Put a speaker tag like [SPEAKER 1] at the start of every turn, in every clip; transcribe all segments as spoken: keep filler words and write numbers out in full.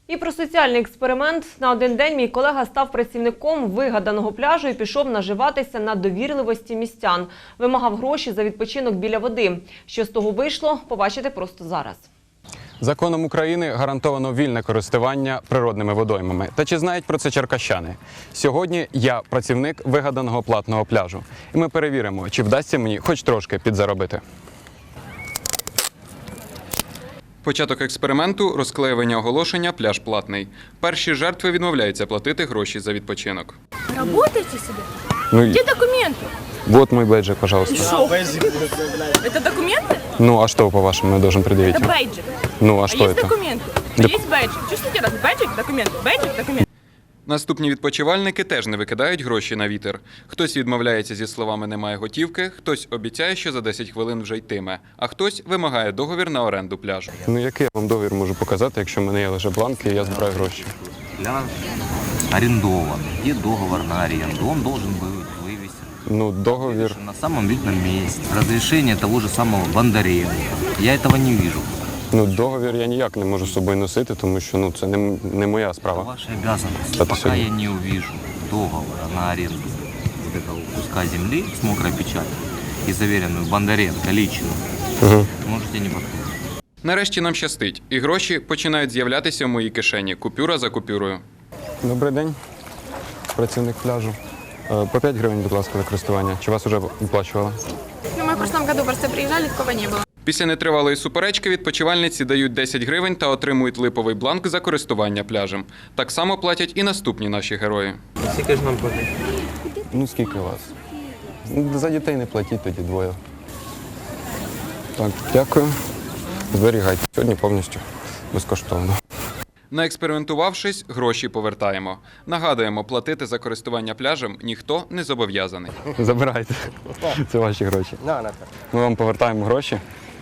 [SPEAKER 1] І про соціальний експеримент. На один день мій колега став працівником вигаданого пляжу і пішов наживатися на довірливості містян. Вимагав гроші за відпочинок біля води. Що з того вийшло, побачите просто зараз.
[SPEAKER 2] Законом України гарантовано вільне користування природними водоймами. Та чи знають про це черкащани? Сьогодні я працівник вигаданого платного пляжу. І ми перевіримо, чи вдасться мені хоч трошки підзаробити. Початок експерименту – розклеювання оголошення «Пляж платний». Перші жертви відмовляються платити гроші за відпочинок.
[SPEAKER 3] Работаете себе?
[SPEAKER 2] Ну,
[SPEAKER 3] Где документы?
[SPEAKER 2] вот мой бейджик, пожалуйста.
[SPEAKER 3] Шо? Это документы?
[SPEAKER 2] Ну, а что, по-вашему, я должен предъявить?
[SPEAKER 3] Это бейджик.
[SPEAKER 2] Ну, а
[SPEAKER 3] А
[SPEAKER 2] что
[SPEAKER 3] есть
[SPEAKER 2] это?
[SPEAKER 3] документы?
[SPEAKER 2] Да-
[SPEAKER 3] Есть бейджик. Чувствуете раз? Бейджик, документы. Бейджик, документы.
[SPEAKER 2] Наступні відпочивальники теж не викидають гроші на вітер. Хтось відмовляється зі словами «немає готівки», хтось обіцяє, що за десять хвилин вже йтиме, а хтось вимагає договір на оренду пляжу. Ну який я вам договір можу показати, якщо в мене є лише бланки і я збираю гроші?
[SPEAKER 4] Пляж арендован. Где договор на аренду? Он должен быть вывесен
[SPEAKER 2] Ну, договір.
[SPEAKER 4] на самом видном месте. Разрешение того же самого Бондаренко. Я этого не вижу.
[SPEAKER 2] Ну, договір я ніяк не можу з собою носити, тому що ну, це не, не моя
[SPEAKER 4] Это
[SPEAKER 2] справа.
[SPEAKER 4] ваша обязанность.
[SPEAKER 2] Да ты
[SPEAKER 4] Пока
[SPEAKER 2] сегодня-
[SPEAKER 4] я не увижу договора на аренду вот этого куска земли с мокрой печатью и заверенную Бондаренко лично,
[SPEAKER 2] Угу.
[SPEAKER 4] можете не подходить.
[SPEAKER 2] Нарешті нам щастить, і гроші починають з'являтися в моїй кишені, купюра за купюрою. Добрий день, працівник пляжу. Е, По п'ять гривень, будь ласка, за користування. Чи вас вже виплачували?
[SPEAKER 5] Ну, мы в прошлом году просто приезжали, такого не было.
[SPEAKER 2] Після нетривалої суперечки відпочивальниці дають десять гривень та отримують липовий бланк за користування пляжем. Так само платять і наступні наші герої.
[SPEAKER 6] Скільки ж нам платить?
[SPEAKER 2] Ну, скільки у вас? Ну, за дітей не платіть тоді двоє. Так, дякую. Зберігайте. Сьогодні повністю безкоштовно. Наекспериментувавшись, гроші повертаємо. Нагадуємо, платити за користування пляжем ніхто не зобов'язаний. Забирайте. Це ваші гроші.
[SPEAKER 6] На, на.
[SPEAKER 2] Ми вам повертаємо гроші.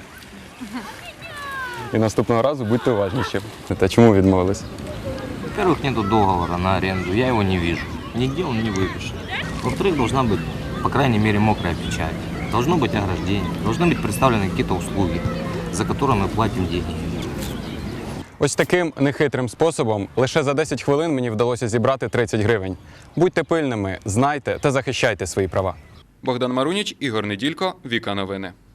[SPEAKER 2] І наступного разу будьте уважніші. Та чому відмовились?
[SPEAKER 4] Во-первых, нету договора на аренду, я его не вижу. Нигде он не выпишет. Во-вторых, должна быть, по крайней мере, мокрая печать. Должно быть ограждение, должны быть представлены какие-то услуги, за которые мы платим деньги.
[SPEAKER 2] Ось таким нехитрим способом лише за десять хвилин мені вдалося зібрати тридцять гривень. Будьте пильними, знайте та захищайте свої права. Богдан Маруніч, Ігор Неділько, Віка Новини.